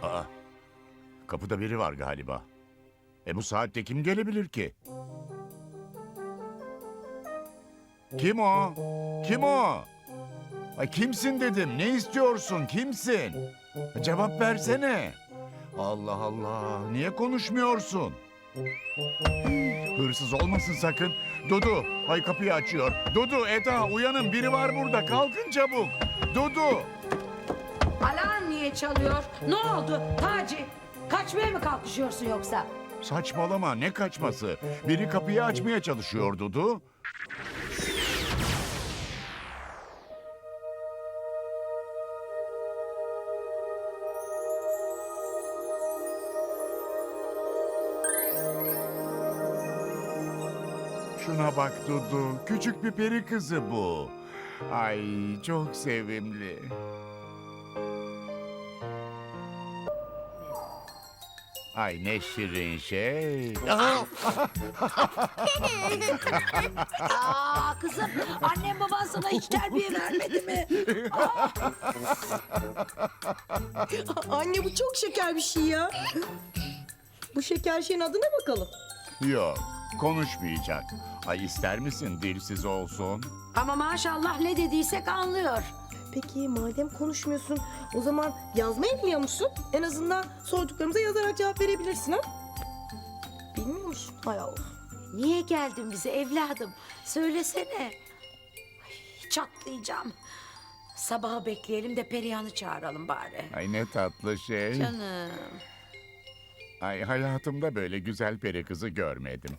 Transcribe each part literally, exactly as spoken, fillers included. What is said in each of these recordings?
Aa, kapıda biri var galiba. E bu saatte kim gelebilir ki? Kim o? Kim o? Ay kimsin dedim. Ne istiyorsun? Kimsin? Cevap versene. Allah Allah. Niye konuşmuyorsun? Hırsız olmasın sakın. Dudu, ay kapıyı açıyor. Dudu, Eda uyanın. Biri var burada. Kalkın çabuk. Dudu. Alarm niye çalıyor? Ne oldu Taci? Kaçmaya mı kalkışıyorsun yoksa? Saçmalama, ne kaçması? Biri kapıyı açmaya çalışıyor Dudu. Şuna bak Dudu, küçük bir peri kızı bu. Ay çok sevimli. Ay ne şirin şey. Aa kızım, annem baban sana hiç terbiye vermedi mi? Anne bu çok şeker bir şey ya. Bu şeker şeyin adı ne bakalım? Yok, konuşmayacak. Ay ister misin dilsiz olsun? Ama maşallah ne dediysek anlıyor. Peki madem konuşmuyorsun o zaman yazmayı biliyor musun? En azından sorduklarımıza yazarak cevap verebilirsin ha? Bilmiyor musun? Hay Allah. Niye geldin bize evladım? Söylesene. Ay, çatlayacağım. Sabahı bekleyelim de Perihan'ı çağıralım bari. Ay ne tatlı şey. Canım. Ay hayatımda böyle güzel peri kızı görmedim.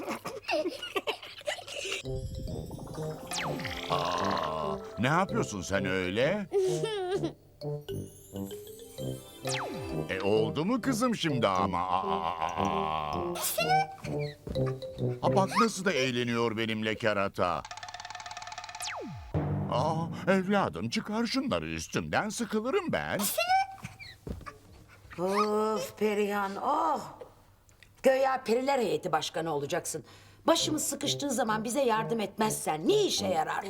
Aa, ne yapıyorsun sen öyle? E oldu mu kızım şimdi ama? Aa, aa, aa. Ha, bak nasıl da eğleniyor benimle kerata. Aa, evladım çıkar şunları üstümden, sıkılırım ben. Of Perihan, oh. Göya periler heyeti başkanı olacaksın. Başımız sıkıştığı zaman bize yardım etmezsen ne işe yarar?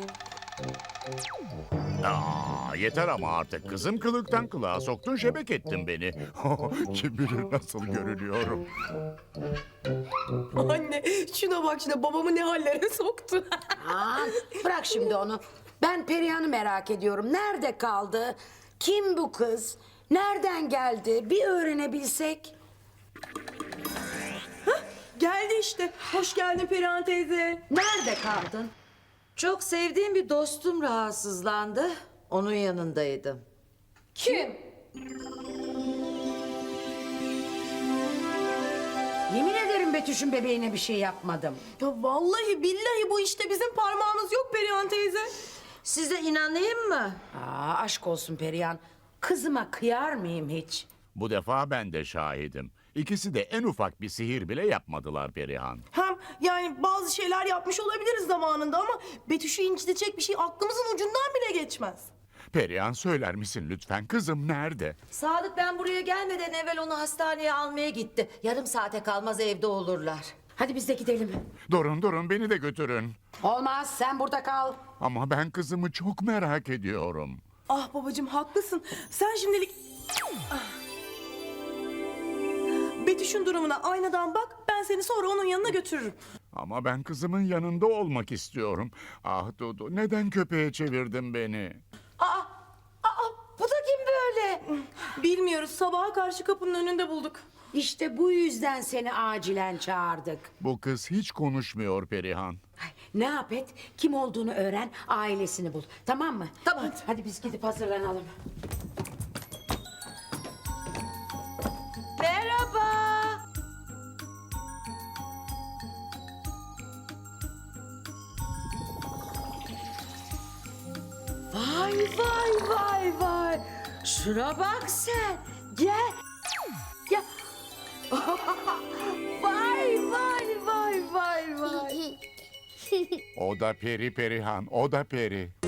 Aa, yeter ama artık kızım, kılıktan kılığa soktun, şebek ettin beni. Kim bilir nasıl görünüyorum. Anne şuna bak şuna babamı ne hallere soktu. Aa, bırak şimdi onu. Ben Perihan'ı merak ediyorum. Nerede kaldı? Kim bu kız? Nereden geldi? Bir öğrenebilsek. Geldi işte. Hoş geldin Perihan teyze. Nerede kaldın? Çok sevdiğim bir dostum rahatsızlandı. Onun yanındaydım. Kim? Yemin ederim Betüş'ün bebeğine bir şey yapmadım. Ya vallahi billahi bu işte bizim parmağımız yok Perihan teyze. Size inanayım mı? Aa, aşk olsun Perihan. Kızıma kıyar mıyım hiç? Bu defa ben de şahidim. İkisi de en ufak bir sihir bile yapmadılar Perihan. Hem yani bazı şeyler yapmış olabiliriz zamanında ama Betüş'ü incitecek bir şey aklımızın ucundan bile geçmez. Perihan söyler misin lütfen, kızım nerede? Sadık ben buraya gelmeden evvel onu hastaneye almaya gitti. Yarım saate kalmaz evde olurlar. Hadi biz de gidelim. Durun durun, beni de götürün. Olmaz, sen burada kal. Ama ben kızımı çok merak ediyorum. Ah babacığım haklısın. Sen şimdilik... Ah. Betüş'ün durumuna aynadan bak. Ben seni sonra onun yanına götürürüm. Ama ben kızımın yanında olmak istiyorum. Ah Dudu, neden köpeğe çevirdin beni? Aa, aa bu da kim böyle? Bilmiyoruz. Sabaha karşı kapının önünde bulduk. İşte bu yüzden seni acilen çağırdık. Bu kız hiç konuşmuyor Perihan. Ay, ne yap et, kim olduğunu öğren, ailesini bul. Tamam mı? Tamam. Hadi, hadi biz gidip hazırlanalım. Merhaba. Vay vay vay vay. Şuna bak sen. Gel. Ya. Vay vay vay vay vay. O da peri Perihan, o da peri.